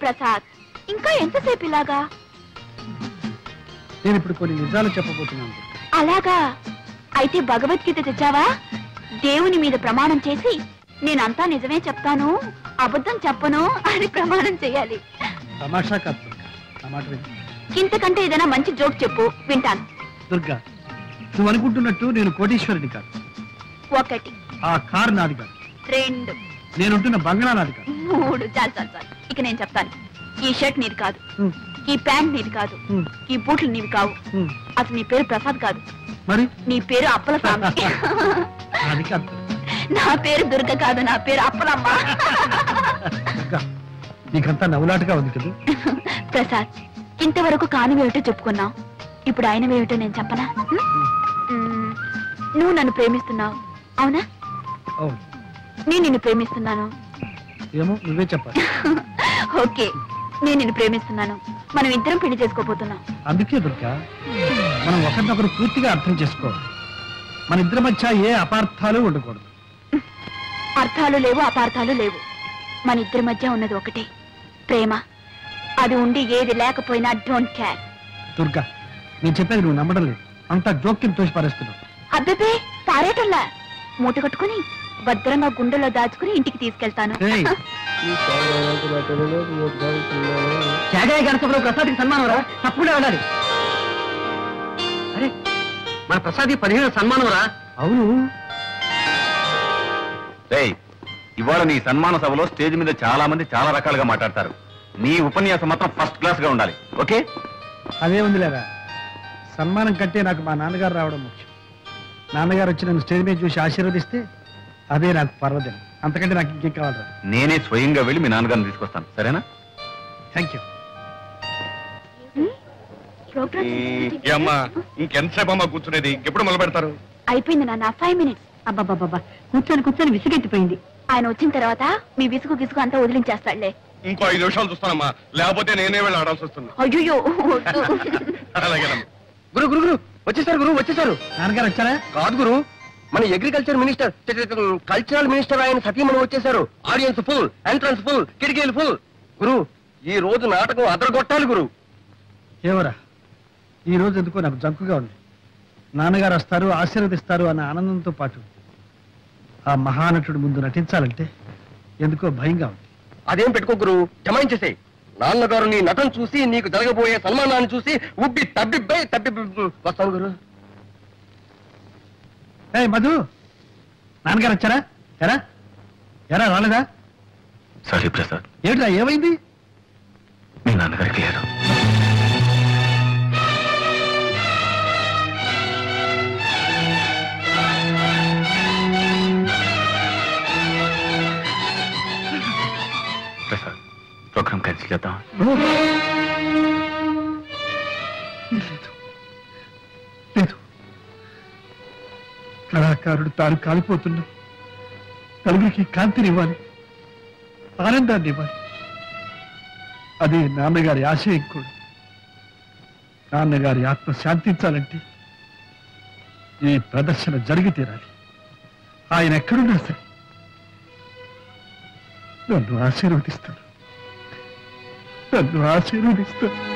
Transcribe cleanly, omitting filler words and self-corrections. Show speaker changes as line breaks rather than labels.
ప్రసాద్, ఇంకా ఎంతసేపు ఇలాగా?
నేను ఇప్పుడు కొన్ని నిజాలు చెప్పబోతున్నాను.
అలాగా? అయితే భగవద్గీత తెచ్చావా? దేవుని మీద ప్రమాణం చేసి నేనంతా నిజమే చెప్తాను, అబద్ధం చెప్పను అని ప్రమాణం చేయాలి.
తమాషా కాదు నా మాట విను.
ఇంతకంటే ఏదైనా మంచి జోక్ చెప్పు, వింటాను.
దుర్గా, నువ్వు అనుకుంటున్నట్టు నేను కోటీశ్వరుని కాదు.
1
ఆ కారు నాది కాదు.
2
నేనుంటున్న బంగ్లా నాది కాదు.
3 చాలు చాలు చాలు. ఇక నేను చెప్తాను. ఈ షర్ట్ నీది కాదు, ఈ ప్యాంట్ నీది కాదు, ఈ బూట్లు నీవి కావు. అసలు నీ పేరు ప్రసాద్ కాదు,
మరి
నీ పేరు అప్పల స్వామి.
అది కాదు.
నా పేరు దుర్గ కాదు, నా పేరు అప్పలమ్మ.
నీకంతా నవ్వులాటగా ఉంది కదా.
ప్రసాద్, ఇంతవరకు కానివేమిటో చెప్పుకున్నావు, ఇప్పుడు ఆయనవేమిటో నేను చెప్పనా? నువ్వు నన్ను ప్రేమిస్తున్నావు, అవునా? నేను నిన్ను ప్రేమిస్తున్నాను.
ఏమో నువ్వే చెప్పాలి.
ఓకే, నేను నిన్ను ప్రేమిస్తున్నాను. మనం ఇద్దరం పెళ్లి చేసుకోబోతున్నాం.
అందుకే దుర్గా, మనం ఒకరినొకరు పూర్తిగా అర్థం చేసుకోవాలి. మన ఇద్దరి మధ్య ఏ అపార్థాలు ఉండకూడదు.
అర్థాలు లేవు, అపార్థాలు లేవు. మన ఇద్దరి మధ్య ఉన్నది ఒకటే, ప్రేమ. అది ఉండి ఏది లేకపోయినా డోంట్ కేర్.
దుర్గా, నేను చెప్పేది నువ్వు నమ్మడం లేదు. అంతా జోక్యం తోసి పారేస్తున్నావు.
అబ్బే, పారేటల్లా. మూట కట్టుకుని భద్రంగా గుండెలో దాచుకుని ఇంటికి తీసుకెళ్తాను.
ప్రసాద్కి సన్మానం రా, తప్పకుండా వెళ్ళాలి. అరే, మన ప్రసాద్ 15 సన్మానం రా. అవును.
ఇవాళ నీ సన్మాన సభలో స్టేజ్ మీద చాలా మంది చాలా రకాలుగా మాట్లాడతారు. నీ ఉపన్యాసం మాత్రం ఫస్ట్ క్లాస్ గా ఉండాలి. ఓకే?
అదే ఉంది లేదా. సన్మానం కంటే నాకు మా నాన్నగారు రావడం ముఖ్యం. నాన్నగారు వచ్చి నన్ను స్టేజ్ మీద చూసి ఆశీర్వదిస్తే అదే నాకు పర్వదినం. అంతకంటే నాకు ఇంకేం కావాలరా.
నేనే స్వయంగా వెళ్ళి మీ నాన్నగారిని తీసుకొస్తాను, సరేనా?
Thank you.
ఇంకెంతసేపు అమ్మా కూర్చునేది? ఎప్పుడు మొదలు పెడతారు?
అయిపోయింది నాన్న, 5 minutes.
అబ్బాబాబా, కూర్చొని కూర్చొని విసుగెత్తిపోయింది.
ఆయన వచ్చిన తర్వాత మీ విసుగు గిసుగు అంతా వదిలించేస్తాడులే.
ఇంకో 5 నిమిషాలు చూస్తానమ్మా, లేకపోతే నేనే వెళ్ళి ఆడాల్సి వస్తుంది.
అయ్యో,
గురు గురు గురు వచ్చేసారు, గురు వచ్చేసారు.
నాన్నగారు వచ్చారా?
కాదు గురు, మన అగ్రికల్చర్ మినిస్టర్, కల్చరల్ మినిస్టర్ ఆయన సతీమణి వచ్చేసారు. ఆడియన్స్ ఫుల్, ఎంట్రన్స్ ఫుల్, కిటికీలు ఫుల్. గురు, ఈ రోజు నాటకం అదరగొట్టాలి గురు.
ఏమరా, ఈ రోజు ఎందుకో నాకు జంకుగా ఉంది. నాన్నగారు వస్తారు, ఆశీర్వదిస్తారు అన్న ఆనందంతో పాటు ఆ మహానటుడు ముందు నటించాలంటే ఎందుకో భయంగా ఉంది.
అదేం పెట్టుకో గురు, జమాయించేసే. నాన్నగారు నీ నటన చూసి, నీకు జరగబోయే సన్మానాన్ని చూసి ఉబ్బి తబ్బిబ్బై వస్తాను గురు.
ఏ మధు, నాన్నగారు వచ్చారా? ఎరా ఎరా రాలేదా?
సారీ ప్రసాద్.
ఏమిట్రా, ఏమైంది?
మీ నాన్నగారికి లేదు. ప్రసాద్, ప్రోగ్రామ్ క్యాన్సిల్ చేద్దాం.
లేదు, కళాకారుడు తాను కాలిపోతున్నా నలుగురికి కాంతినివ్వాలి, ఆనందాన్ని ఇవ్వాలి. అదే నాన్నగారి ఆశయం కూడా. నాన్నగారి ఆత్మ శాంతించాలంటే ఈ ప్రదర్శన జరిగి తీరాలి. ఆయన ఎక్కడున్నా సరే నన్ను ఆశీర్వదిస్తాను, నన్ను ఆశీర్వదిస్తాను.